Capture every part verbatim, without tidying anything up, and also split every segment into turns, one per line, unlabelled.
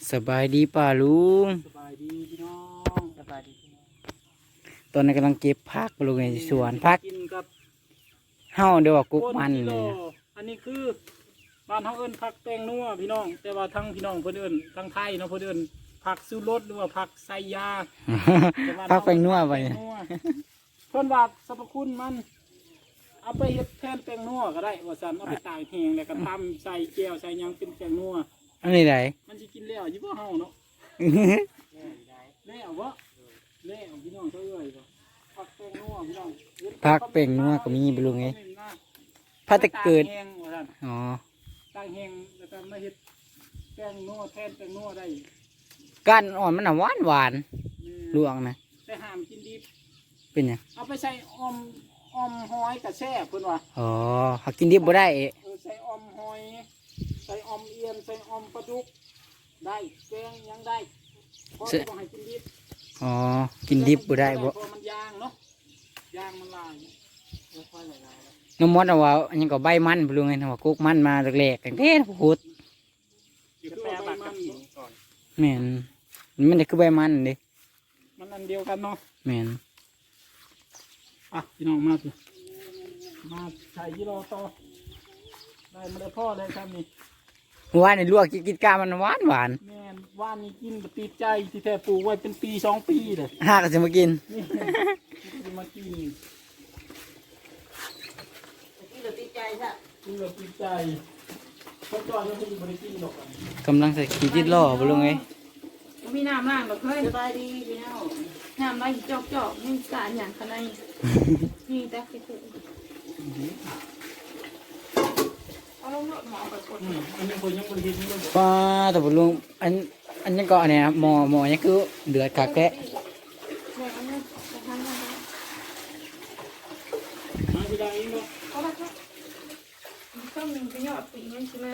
สบายดีป่าลุง
สบายดีพี่น้องสบายดีพี่น้อง
ตอนนี้กำลังเก็บผักปลูกในสวนผัก
กินกับ
เฮ้าเดี๋ยวว่ากุ๊กมัน
โล
เนี่ย
อันนี้คือบ้านเฮาเอิ้นผักแตงนัวพี่น้องแต่ว่าทั้งพี่น้องเพิ่นเอิ้นทั้งไทยเนาะเพิ่นเอิ้นผักซูรสหรือว่าผักไซยา
ผักแปลงนัวไป
แตงนัวเพิ่นว่าสรรพคุณมันเอาไปเฮ็ดแทนแตงนัวก็ได้ว่าซั่นเอาไปตากแห้งแล้วก็ตำใส่แก้วใส่หยังเป็นแตงนัว
อันนี้ไหน
มันสิกินแล้วอยู่บ่เฮาเนาะแล้วบ่แล้วพี่น้องเอ้ยบ่ผักแตงนัวพี่น้อง
ผักแปลงนัวก็มีปลูกไงผักตะเกิดอ๋อ
ตั้งแห้งแล้วก็มาเฮ็ดแตงนัวแทนแตงนัวได้
ก้านอ่อนมันน่ะหวานหวานลวงนะ
แต่ห้ามกินดิบ
เป็นยัง
เอาไปใส่ออมออมหอยกับแช่เพิ่นว่า
อ๋อหากินดิบบ่ได้เอะ
เออใส่ออมหอยใส่ออมเอียนใส่ออมปลาดุกได้แกงยังได้เพราะต้องให้กินดิบ
อ๋อกินดิบบ่ได้บ่
เพราะมันยางเนาะยางมันลายไม่ค่อยละลาย
น้ำมดเอาว่าอันนี้ก็ใบมันปลูกไงนะว่ากุ๊กมันมาแรกๆกันเด้พูด
อยู่แปรบักกับหินก่อน
แม่นมันจะคือใบมันเด้
มันอันเดียวกันเนาะ
แม่น
อ่ะพี่น้องมาสิมาใส่ยี่รอต่อได้มาเลยพ่อเลยครับนี่
เมื่อวานนี่ลวกกินกามันหวานหวาน
แม่นว่านนี่กินติดใจที่แท้ปลูกไว้เป็นปีสองปีเลย
หาก็จะมากิน
นี่จะมากิน
กินแล้วติดใจซะ
กินแบบติดใจเขาจอดแล้วเขาจะไม่ได้กินหรอกอันนี้
กำลังใส่ขีดจิตล่อปลูกไง
มีน้ำล่างดอกเฮ้ย
สบายดีพี่น้อง
น้ำล่างจอกจอกๆนี่สารอย่างขนาดนี่แต่คือถูกเอาลงรถหมอไปกด
อืมอันนี้คนยังบริเวณนี้เลย
ป้าแต่ปลูกอันอันนี้ก็อันเนี้ยหมอหมอนี่คือเดือดคักแท้
แม่เอาเนี่ยไปทำงานไป
มาที่ใดเนาะ
เอาละครับต้องมีประโยชน์ปีนี้ใช่ไหม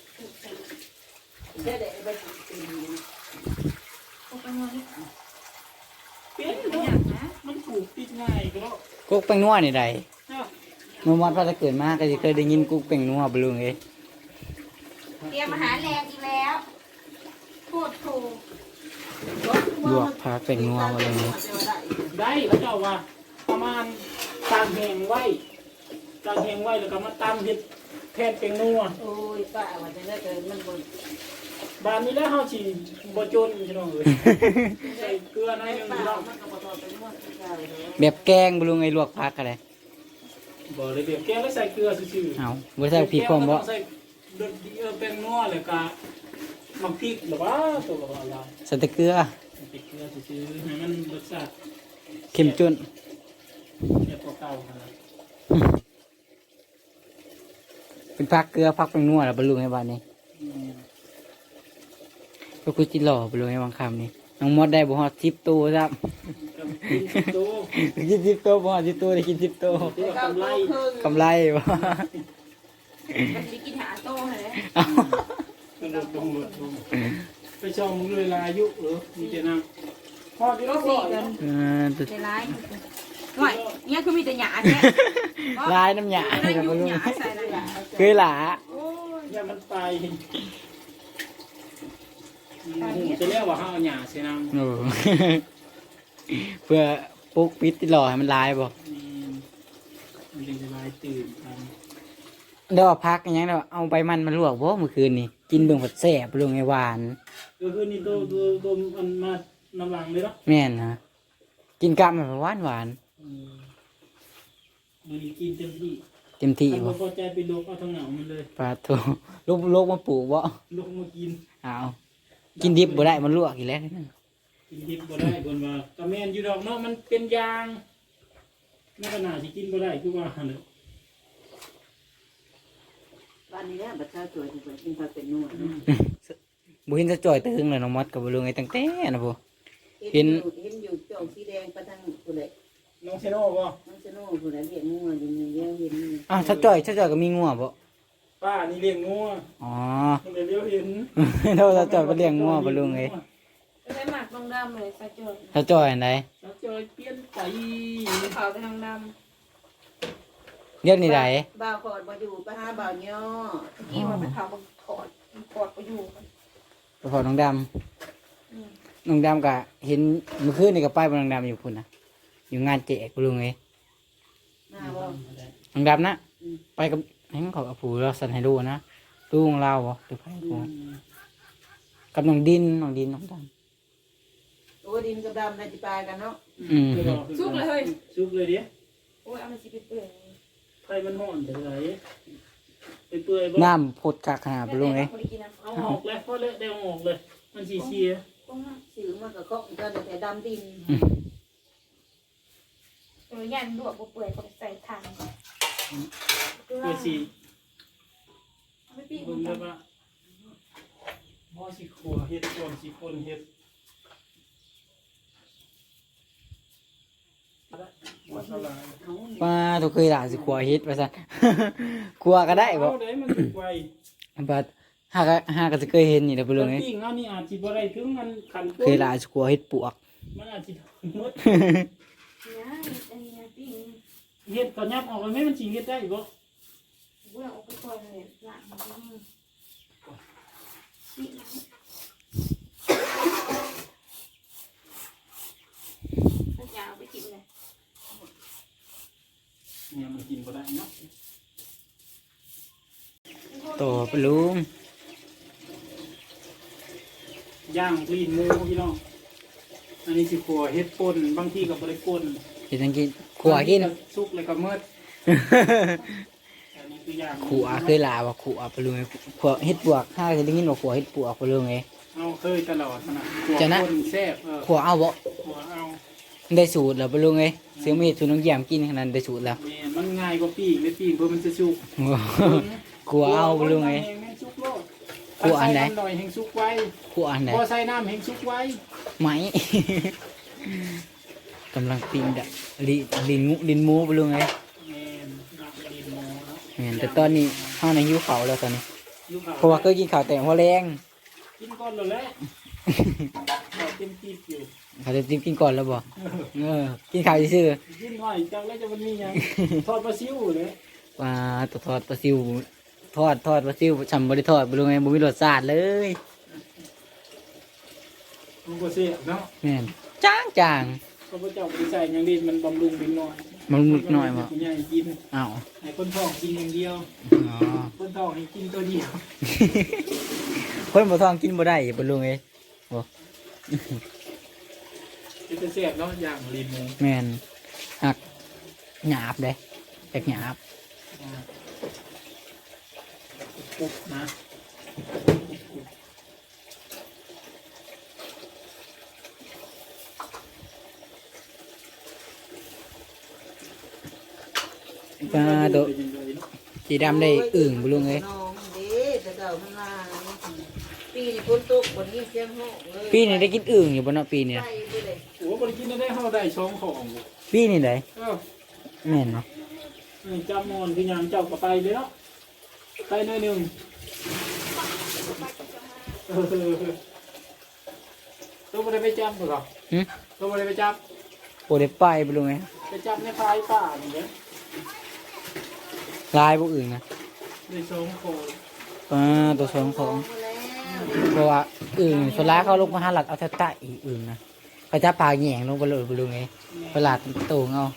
เดี๋ยวเดี๋ยวไปกิน
เอาไปนอนนี่
เป็น
ประห
เนาะ
ยัดนะ
มันปลูกติดง่ายก็แล้ว
กุ๊กแป้งนัวนี่ใด
เนาะ
เมื่อวันพอจะเกิดมาก็จะเคยได้ยินกุ๊กแป้งนัวปลูกไง
เตรียมอาหารแรงอีกแล้วพูดถูก
ลวกผักแป้งนัวมาเลย
ได้แล้วเจ้าว่าประมาณตามแหงไว้ตามแหงไว้แล้วก็มาตามเห็ดแทนเป็นนัว
โอ้ยป้าว่าจะได้เกินมันบน
บานนี้แล้วเฮาสิบ่จนพี่น้องเอ้ยใส่เกลือหน่อยหนึง
ป้า
พี่น้อง
มันก็บ่ทอดเป็นนวดที่ใจเลย
แบบแกงปลูกไงลวกผักอะไร
บ่เลยเดี๋ยวแกงแล้วใส่เกลือซื่อๆ
เอาบ่ใส่พริกพร้อมบ่
ใส่เดือดเออเป็นนัวเลยกะมักพริกหรือว่าตัวกับอะไร
ใส่แต่เกลือ
พริกเกลือซื้อๆให้มันรสชาติ
เค็มจน
เทียบกับเก่าขนาด
เป็นผักเกลือผักแป้งนัวแล้วปลูกในบ้านนี้
อืม
ก็คือจิหล่อปลูกในบางคำนี่น้องมดได้บ่ฮอดสิบตัวครับ
กับกินโต
กินสิบตัวบ่ฮอดสิบตัวได้กินสิบตัว
เทียบกับกำไร
กำไรบ่
มันจะกินหาโต้เลย
กระโดดลงรถลงไปชมเลยลายุเออมีแต่นางพอดีแล้วพอกัน
เออตัว
ใจร้ายหน่อยเนี่ยคือมีแต่หยาแท้
ลายน้ำหยา
ไม่
ให้
ได้
กับ
ยุ่
ลู
ง
ก
หยาใส่เลย
เคยหลา
โอ้ย
อย่ามันไปจะเรียกว่าห้าวหยาเสียนาง
โอ้ เพื่อปลุกปิดที่หล่อให้มันลายบ่
อืมมันจะลายตื่นกัน
เดี๋ยวพักอยังเดี๋ยวเอาใบมันมาลวกบ่เมื่อคืนนี่กินเบิ่งผัดแซ่บลงไงหวาน
ก็คือนี่ตัวตัวตัวมันมาน้ำหลังเลยเนาะ
แม่นนะกินกับมันหวานหวาน
อืมมันกินเต็มที่
เต็มที่
ถ้า
บ่
บ่พอใจไปลกเอาทั้งเหงามันเลย
ปลาทูลูกลูกมาปลูกบ่
ลกมากิน
เอากินดิบบ่ได้มันลวกอีกแล้ว
กินดิบบ่ได้คนว่ากระแมนอยู่ดอกเนาะมันเป็นยางไม่ขนาดที่กินบ่ได้คือว่าหั่นน่ะ
บ้านนี้แหละบัดเช้าสวยที่กินผักเป็นนวด
อืม
บ่เห็นจะจ่อยตึงเลยน้องมดกับบ่รู้ไงตั้งแต่นะบ่
เห็นเห็นอยู่จองสีแดงประทังผู้ใด
น้องเซโน่บ่
มันจะโน่ผู้ใดเรียกงัวอยู่นี่เลี้ยงเห็น
อ้าวถ้าจ่อยถ้าจ่อยก็มีงัวบ่
ป้านี่เลี้ยงงัว
อ๋อ
มันเลยเลี้ยวเห็น
เราถ้าจ่อยก็เลี้ยงงัวบ่รู้ไง
ก็ได้หมักลงดำเลยใส่จด
ถ้าจ่อยอันใด
แล้วจอยเปลี่ยนไป
ขาวไปทางด
เรียกนี่ใด
บ่าวขอดบ่อยู่ไปหาบ่าวย่อ
ำกี่มันไปขาวมันขอดมันขอดไปอยู่กัน
ไปพอน้องดำน้องดำก็เห็นเมื่อคืนนี่ก็ไปบ่น้องดำอยู่พุ่นน่ะอยู่งานแจกบ่ลุงเอ้ย
หน้าบ่
น้องดำนะไปกับให้มันเขากับผู้เราสั่นให้ดูนะดูของเราบ่หรือไปผู้กับน้องดินน้องดินน้องดำ
โอ้ดินกับดำในจิปลายกันเนาะ
อืม
ซุกเลยเฮ้ยซุกเลยดิ
โอ้ยเอามาสิไปเปื่อย
ไฟมันห่อนแต่ไหนไปเปื่อยบ่
น้ำพดกากขนาดบ่ลุงเอ้ย
บ่ได้กินน้ำ
เอาออกเลยพอเลยได้ออกเลย มันสีเชีย
สื่อมันกับก็กันแต่ดำดิน
เออยันลวกบ่เปื่อยก็ใส่ถังก่อน
เปื่อยสี
เอาไปปิ้ง
เบิ่งได้ปะหม้อสีขัวเฮ็ดก่อนสีคนเฮ็ดหัวสลาย
ป้าทุกเคยด่าสิขัวเฮ็ดว่าซั่น ขัวก็ได้บ่
เอาได้มันถูกไว
บัดหากหากก็จะเคยเห็นนี่แหละบ่ลุงเอ้ย
ปิ้งเอานี่อาจสิบ่ได้ถึงมันขัน
เคยด่าสิขัวเฮ็ดปวก
มันอาจสิหมด
นะอันนี้นะปิ้ง
เฮ็ดก็ยับออกเลยไหมมันสิเฮ็ดได้บ่
บ่เอาไปก่อนเลยล้างมันก็มือปิ้งมันยาวไปกินเลย
เนี่ยมันกินบ่ได้เนาะ
โตปะลุง
ย่างลีนหมูพี่น้องอันนี้สิขัวเฮ็ดป่นบางทีก็บ่ได้ป่น
เฮ็ดจังกินขัวกิน
สุกเลยก็เมิดอันนี้คือย่าง
ขัวเคยลาว่าขัวปะลุงเอ้ยขัวเฮ็ดปวกหากจะได้ยินว่าขัวเฮ็ดปวกปะลุงเอ้ย
เอาเคยตลอดนะขัว
จะนะ
ป่นแซ่บเออ
ขัวเอาบ่
ขัวเอา
ได้สูตรแล้วปะลุงเอ้ยซื้อมาเฮ็ดสูตรน้องแยมกินขนาดนั้นได้สูตรแล้ว
แม่มันง่ายกว่าปิ้งเลยปิ้งเพื่อมันจะสุก
ขัวเอาปะลุงเอ้ย
แห้งสุกโลด
ขัวอันไหน
ใส่ำหน่อยแห้งสุกไว้
ขัวอันใด
พอใส่น้ำแห้งสุกไว้
ไหม กำลังปิ้งดะลิลินงูลินหมูปะลุงเอ้ย
แม่นย่างลีนหมูเนาะ
แม่นแต่ตอนนี้เฮาน่ะหิวข้าวแล้วตอนนี้
อยู่ข้ว
เพราะว่าเคยกินข้าวแต่หัวแรง
กินก่อนเลยแหละข้าวเต็มที่อยู่
เขาจะจิ้มกินก่อนแล้วบ่เออกินข้าวซื่อ
กินหน่อยจังแล้วจะมันมีหยังทอดปลาซิวเลย
ๆปลาตทอดปลาซิวทอดทอดปลาซิวฉันบ่ได้ทอดบ่รู้ไงบ่มีรสชาติเลย
มันก็เสียเนาะ
แม่นจางจาง
ข้าพเจ้าไปใส่หยังดีมันบำรุงเป็นน้อย
มันมุกหน่อยบ่
ผู้ใหญ่กิน
อ้าว
ให้คนท้องกินอย่างเดียว
อ๋อ
คนท้องให้กินตัวเดียว
คนบ่ท้องกินบ่ได้บ่รู้ไงบ่
จะเสียบเนาะอย่างลีนหมู
แม่นหักหยาบเด้แตกหยาบ
ปุ๊บนะ
ปลาโตสีดำได้อึ่งบ่รู้ไง
น้องเด้แต่เก่ามันลาปีนี้ฝนตกวันนี้เสียงห้องเลย
ปีนี้ได้กินอึ่งอยู่บ่เนาะปีนี้
ไปเลย
โอ้บริกินได้เข้าได้ช่องของบ่
ปีนี้ได้
เออ
แม่นเนาะ
นี่จำมอนคือหยังเจ้าก็ไปเลยเนาะไปหน่อยหนึงเออตัวบ่ได้ไปจับบ่หรอ
หึ
ตัวบ่ได้ไปจับ
บ่ได้ไปบ่รู้ไง
ไปจับในพายป่านี่เด้อ
ลายบ่อึ่งนะ
ในช่องของ
ปลาตัวสองของ
แล้ว
เพราะว่าอึ่งส่วนร้ายเขาลงมาหาหลักเอาแต่ตะอีอึ่งนะเขาจะปลาแหง่งลงไปเลยไปเลยไงเวลาโตงเอา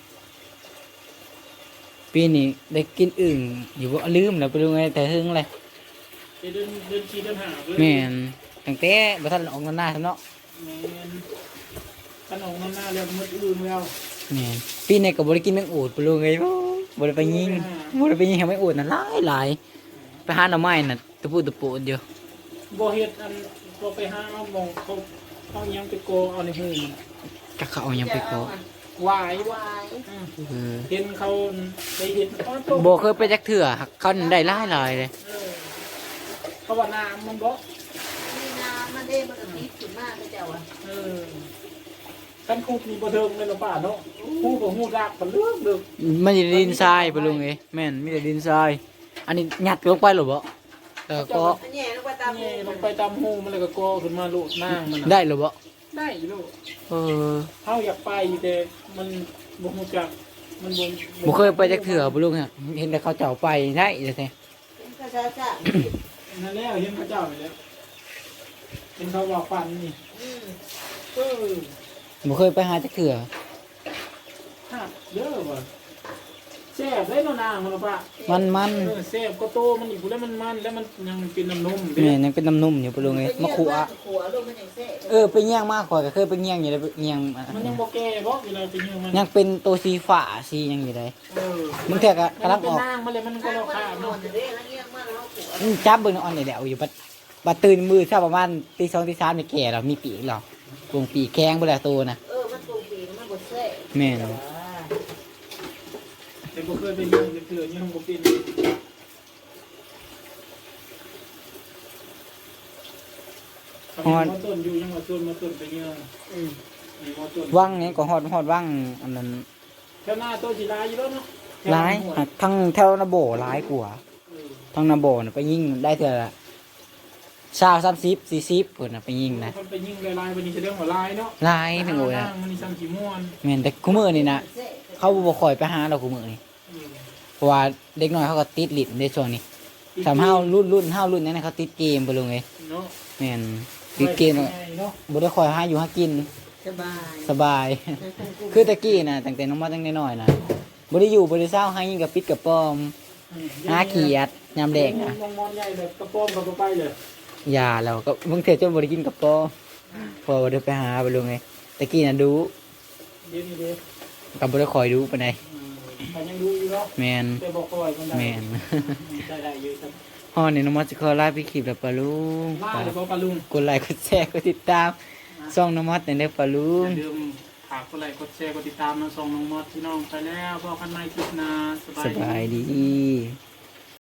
ปีนี้ได้กินอึ่งอยู่ว่าลืมแล้วไปเลยไงแต่หึงเลย
ไปเดินเดินขี่เดินหาเลย
แม่นตั้งแต่บัทันออกหน้าทำเนาะ
แม่นขนมน้ำหน้าแล้วมืดอื่นแล้ว
แม่นปีนี้ก็บริกินแมงอูดไปเลยไงบริไปยิงบริไปยิงให้แมงอูดน่ะหลายหลายไปหาหน่อไม้น่ะตะปูตะปูอยู่
บ่เฮ็ดอันบ่ไปหาเอาหมองเขาเอาหยังไปโกเอาในหูมัน
กะเขาเอาหยังไปก็
หวายว
าย
อืม
เออ
เห็นเขาไปเห็นเขาตก
บ่เคยไปจักเถื่อเขาได้หลายหลายเลย
เออเขาว่าน้ำมันบ่
มีน้ำมันเด้มันก็ติดขึ้นมากเลยเจ้าอ่ะ
เออกันคุกมีบ่เทิงเลยเนาะป้าเนาะฮู้บ่ฮู้รักมันเรื่องเด้อ
มันจะดินทรายไปลุงเอ้ยแม่นมีแต่ดินทรายอันนี้ยัดลงไปหรือเปล่าแล้วก็
อันนี้ลงไปตาม
นี่ลงไปตามหูมันเลยก็กอขึ้นมาโลดนางมันน่ะ
ได้หรือเปล่า
ได้อยู่ลูก
เออ
เฮาอยากไปแต่มันบ่ฮู้จักมันบ่
บ่เคยไปจักเถื่อบ่ลุงเนี่ยเห็นแต่เขาเจ้าไปได้จังซี่
เป็นภาษาจ้า
นั่นแล้วเห็นพระเจ้าไปแล้วเป็นเขาบอกฟันนี่
อืม
เออ
บ่เคยไปหาจักเถื่อ
หักเยอะว่ะแซ่บได้เนาะนางมันปะ
มันมัน
เออแซ่บก็โตมันอีกแล้วมันมันแล้วมันยังเป็นน้ำนม
แม่ยังเป็นน้ำนุ่มอยู่ปะลุงเอ้ยมะขูอะ
ขัวลงมันยังแซ่
เออไปเงี้ยงมากข่อยก็เคยไปเงี้ยงอยู่เลยไปเงี้ยงอ่ะ
มันยังบ่แก่บ่เวลาไปยืมมัน
ยังเป็นตัวสีฟ้าสีหยังอยู่เลย
เออ
มึงเถื่อก็กำลังออก
มันเป็นนางมันเลยมันก็
ข้าว
เรา
มัน
ขาด
นอ
เนาะ
นเด้แล้วเงี้ยมากแล้วขัว
อืมจับเบิ่งอ่อนเดี๋ยวอยู่บัดบัดตื่นมือเช้าประมาณตีสองตีสามนี่แก่แล้วมีปีกแล้ววงปีกแข้งบ่แล้วตัวน่ะ
เออมันตูปีมันบ่แซ่
แม่น
แต่บ่เคยไปยืมเถื่อยืมบ่เป็นฮอดต้นอยู่ยังว่าต้นมาต้นไปยืม
อืม
นี่มาต้น
วังนี่ก็ฮอดฮอดวังอันนั้น
แถวหน้าต้นสิลายอยู่แล้วเนาะ
หลายทั้งแถวนาโบหลายกว่า
เออ
ทั้งนาโบน่ะไปยิงได้เท่าละชาวสามสิบสี่สิบเพิ่นน่ะไปยิงนะ
มันไปยิงลายๆวันนี้จะเรื่องว่าลายเนาะ
หลายทั้งโอ้ย
นาง
น่ะ
มันนี่ซ้ำขี้ม่วน
แม่นแต่คุมื้อนี่นะ
แซ่
เขาบ่ค่อยไปหาเราคุมื้อนี่
เออ
เพราะว่าเด็กน้อยเขาก็ติดลิ้นในช่วงนี้สำเฮารุ่นรุ่นเฮารุ่นนั้นนะเขาติดเกมไปลงไง
เนาะ
แม่นติดเกม
เนาะ
บ่ได้คอยหาอยู่หากิน
สบาย
สบาย คือตะกี้น่ะตั้งแต่น้องมาตั้งแต่น้อยน่ะบ่ได้อยู่บ่ได้เศร้าหายิงกับปิดกับปอมหาเขียดยามแดงน่ะ
มองมอนใหญ่แบบกระโปรงกับไปเลย
ยาแล้วก็บางเทื่อจนบ่ได้กินกับปอมพอบ่ได้ไปหาไปลงไงตะกี้น่ะดู
เดี๋ยวนี้เด้อ
ก็บ่ได้คอยดูปานใด
อืมแต่ยังดูอยู่เนาะ
แม่น
แต่บอกคอยคนใด
แม่น
ได้ได้อยู่ครับ
ฮอดนี่น้องมาสิขอลาไปคลิปแล้วปะลุง
มาเดี๋ยวบอกปลาลุง
กดไลค์กดแชร์กดติดตามช่องน้องมอสในเด้อปะลุ
อง ย่าลืมฝากกดไลค์กดแชร์กดติดตามน้องซองน้องมอสพี่น้องไปแล้วพบกันใหม่คลิปหน้าสบา
ส
ยดี
บายดี